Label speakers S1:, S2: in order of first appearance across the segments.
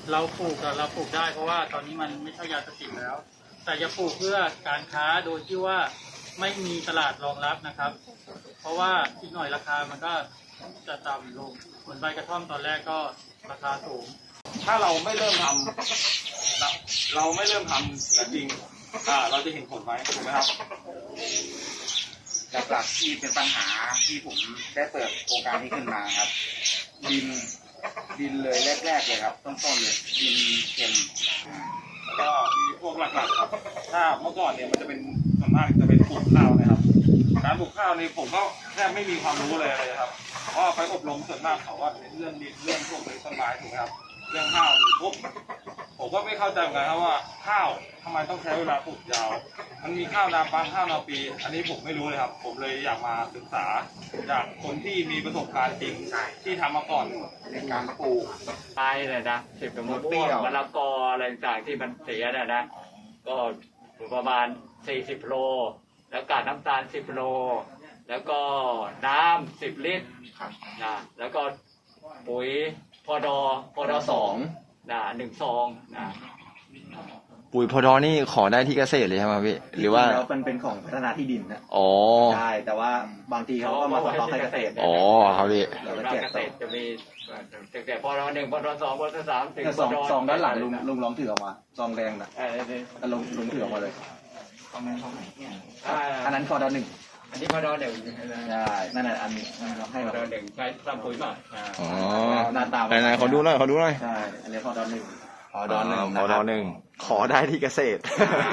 S1: เราปลูกได้เพราะว่าตอนนี้มันไม่ใช่ยาเสพติดแล้ว แต่จะปลูกเพื่อการค้าโดยที่ว่าไม่มีตลาดรองรับนะครับ เพราะว่าอีกหน่อยราคามันก็จะต่ำลงเหมือนใบกระท่อมตอนแรกก็ราคาสูง
S2: ถ้าเราไม่เริ่มทำเราไม่เริ่มทำจริงเราจะเห็นผลไหมถูกไหมครับ
S3: หลักๆที่เป็นปัญหาที่ผมได้เปิดโครงการนี้ขึ้นมาครับดินเลยแรกๆเลยครับต้นๆเลยดินเค็ม
S2: ก็มีพวกหลักๆครับถ้าเมื่อก่อนเนี่ยมันจะเป็นส่วนมากจะเป็นปลูกข้าวนะครับการปลูกข้าวนี่ผมก็แทบไม่มีความรู้เลยครับเพราะไปอบรมส่วนมากเขาว่าเรื่องดินเรื่องพวกต้นไม้ถูกไหมครับเรื่องข้าวปุ๊บผมก็ไม่เข้าใจเหมือนกันครับว่าข้าวทำไมต้องใช้เวลาปลูกยาวมันมีข้าวนาปังข้าวนาปีอันนี้ผมไม่รู้เลยครับผมเลยอยากมาศึกษาจากคนที่มีประสบการณ์จริงที่ทำมาก่อน
S3: ในการปลูก
S4: ไม้เนี่ยนะสิบสมมติมะละกออะไรต่างที่มันเสียเนี่ยนะก็ประมาณ40 โลแล้วกากน้ำตาล10 โลแล้วก็น้ำ10 ลิตรนะแล้วก็ปุ๋ยพอดอ2นะ1 ซองนะ
S5: ปุ๋ยพอดอนี่ขอได้ที่เกษตรเลยใช่ไหมพี่หรือว่า
S6: แล้วมันเป็นของพัฒนาที่ดินนะ
S5: อ๋อ
S6: ใช่แต่ว่าบางทีเขาก็มาสต็อกให้เกษตร
S5: อ๋อครับพี่
S4: เกษตรจะมีแต่พอดอ1พอดอ2พอดอ3ถึง
S6: ซองด้านหลังลุงลองถือออกมาซองแดงนะลุงถือออกมาเลยอันนั้นพอดอ1
S4: อันนี้พอดอ1
S6: ใช่นั่นแหละอันนี้ให้
S4: พอดอ1ใช้ทำปุ๋ยมา
S5: อ๋อ
S6: หน้าตา
S5: ไหนขอดูหน่อย
S6: ใช่อันนี้พอดอ1
S5: พอดอ1ขอได้ที่เกษตร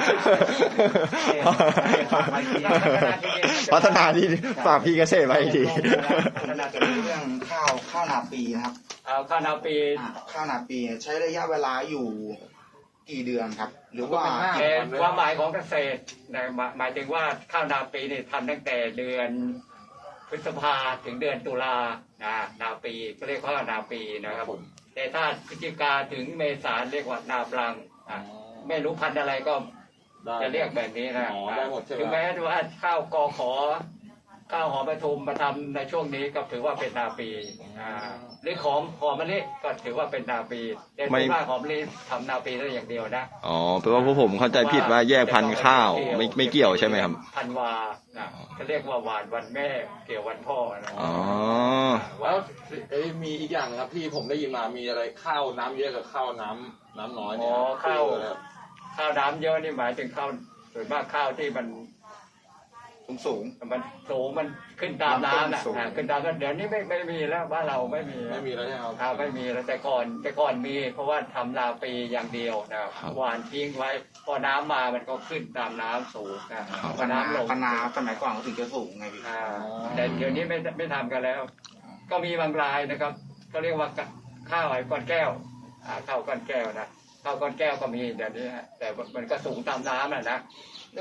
S5: พัฒนาที่ฝากพี่เกษตรไว้ดี
S3: พัฒนาจะเรื่องข้าวนาปีนะครับ
S4: ข้าวนา
S3: ปีใช้ระยะเวลาอยู่กี่เดือนครับหรือว่า
S4: ความหมายของเกษตรหมายถึงว่าข้าวนาปีนี่ทำตั้งแต่เดือนพฤษภาถึงเดือนตุลานาปีก็เรียกว่านาปีนะครับแต่ถ้าพฤศจิกาถึงเมษาเรียกว่านาปลังไม่รู้พันธุ์อะไรก็จะเรียกแบบนี้นะถึงแม้ว่าข้าวกอขอข้าวหอมปทุมมาทำในช่วงนี้ก็ถือว่าเป็นนาปีหรือหอมมะลิก็ถือว่าเป็นนาปีแต่ส่วนมากหอมมะลิทำนาปีได้อย่างเดียวนะ
S5: อ๋อแปลว่าพวกผมเข้าใจผิดว่าแยกพันธุ์ข้าวไม่เกี่ยวใช่ไหมครับ
S4: พันวาเขาเรียกว่าหวานวันแม่เกี่ยววันพ่อนะ
S5: อ๋อ
S2: แล้วมีอีกอย่างครับที่ผมได้ยินมามีอะไรข้าวน้ำเยอะกับข้าวน้ำน้อยเนี่ย
S4: ข้าวน้ำเยอะนี่หมายถึงข้าวส่วนมากข้าวที่มัน
S3: สูง
S4: มันขึ้นตามน้ำขึ้นตามน้ำเดี๋ยวนี้ไม่มีแล้วบ้านเราไม่มี
S2: แล้วใช่ไหมครับ
S4: ไม่มีแล้วแต่ก่อนมีเพราะว่าทำนาปีอย่างเดียวนะหวานทิ้งไว้พอน้ำมามันก็ขึ้นตามน้ำสูง
S3: พอน้ำลงนาสมัยก่อนก็ถึงจะสูงไงพี่
S4: แต่เดี๋ยวนี้ไม่ทำกันแล้วก็มีบางรายนะครับก็เรียกว่าข้าวก้อนแก้วข้าวก้อนแก้วนะข้าวก้อนแก้วก็มีเดี๋ยวนี้แต่มันก็สูงตามน้ำนะ